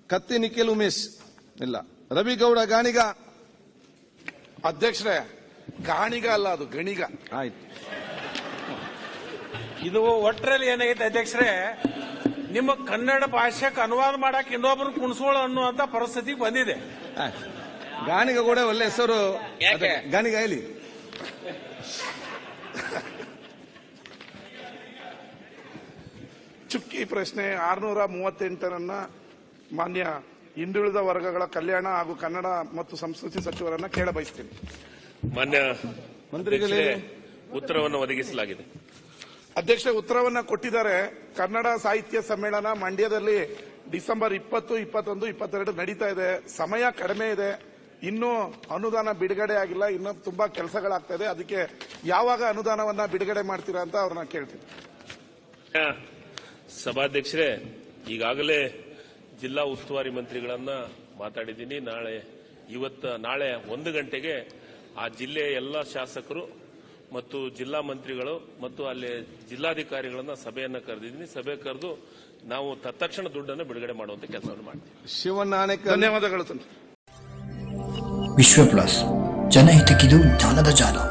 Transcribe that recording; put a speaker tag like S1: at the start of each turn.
S1: ಕತ್ತಿ ನಿಖಿಲ್ ಉಮೇಶ್ ಇಲ್ಲ. ರವಿಗೌಡ ಗಾಣಿಗ.
S2: ಅಧ್ಯಕ್ಷರೇ, ಗಾಣಿಗ ಅಲ್ಲ, ಅದು ಗಣಿಗ.
S1: ಆಯ್ತು.
S3: ಇದು ಒಟ್ಟರಲ್ಲಿ ಏನಾಗೈತೆ ಅಧ್ಯಕ್ಷರೇ, ನಿಮ್ಮ ಕನ್ನಡ ಭಾಷೆಗೆ ಅನುವಾದ ಮಾಡಕ್ ಇನ್ನೊಬ್ರು ಕುಣಿಸೋಳು ಅನ್ನುವಂತ ಪರಿಸ್ಥಿತಿಗೆ ಬಂದಿದೆ.
S1: ಗಾಣಿಗ ಕೂಡ ಒಳ್ಳೆ ಹೆಸರು. ಗಾಣಿಗ ಹೇಳಿ.
S2: ಚುಕ್ಕಿ ಪ್ರಶ್ನೆ 638 ಮಾನ್ಯ ಹಿಂದುಳಿದ ವರ್ಗಗಳ ಕಲ್ಯಾಣ ಹಾಗೂ ಕನ್ನಡ ಮತ್ತು ಸಂಸ್ಕೃತಿ ಸಚಿವರನ್ನ ಕೇಳ ಬಯಸ್ತೀನಿ.
S4: ಮಾನ್ಯ
S1: ಮಂತ್ರಿಗಳೇ,
S4: ಉತ್ತರವನ್ನು ಒದಗಿಸಲಾಗಿದೆ.
S2: ಅಧ್ಯಕ್ಷ ಉತ್ತರವನ್ನ ಕೊಟ್ಟಿದ್ದಾರೆ. ಕನ್ನಡ ಸಾಹಿತ್ಯ ಸಮ್ಮೇಳನ ಮಂಡ್ಯದಲ್ಲಿ ಡಿಸೆಂಬರ್ 20, 21, 22 ನಡೀತಾ ಇದೆ. ಸಮಯ ಕಡಿಮೆ ಇದೆ. ಇನ್ನೂ ಅನುದಾನ ಬಿಡುಗಡೆ ಆಗಿಲ್ಲ. ಇನ್ನೂ ತುಂಬಾ ಕೆಲಸಗಳಾಗ್ತಾ ಇದೆ. ಅದಕ್ಕೆ ಯಾವಾಗ ಅನುದಾನವನ್ನ ಬಿಡುಗಡೆ ಮಾಡ್ತೀರಾ ಅಂತ ಅವ್ರನ್ನ ಕೇಳ್ತೀನಿ.
S4: ಸಭಾಧ್ಯಕ್ಷರೇ, ಈಗಾಗಲೇ ಜಿಲ್ಲಾ ಉಸ್ತುವಾರಿ ಮಂತ್ರಿಗಳನ್ನ ಮಾತಾಡಿದ್ದೀನಿ. ನಾಳೆ 1 ಗಂಟೆಗೆ ಆ ಜಿಲ್ಲೆಯ ಎಲ್ಲ ಶಾಸಕರು ಮತ್ತು ಜಿಲ್ಲಾ ಮಂತ್ರಿಗಳು ಮತ್ತು ಅಲ್ಲಿ ಜಿಲ್ಲಾಧಿಕಾರಿಗಳನ್ನ ಸಭೆಯನ್ನ ಕರೆದಿದ್ದೀನಿ. ಸಭೆ ಕರೆದು ನಾವು ತತ್ಕ್ಷಣ ದುಡ್ಡನ್ನು ಬಿಡುಗಡೆ ಮಾಡುವಂತ ಕೆಲಸವನ್ನು ಮಾಡ್ತೀವಿ.
S1: ಶಿವನಾಣೆಕರ್.
S2: ಧನ್ಯವಾದಗಳು.
S5: ವಿಶ್ವ ಪ್ಲಸ್, ಜನಹಿತಕ್ಕಿದು ಜ್ಞಾನದ ಜಾಲ.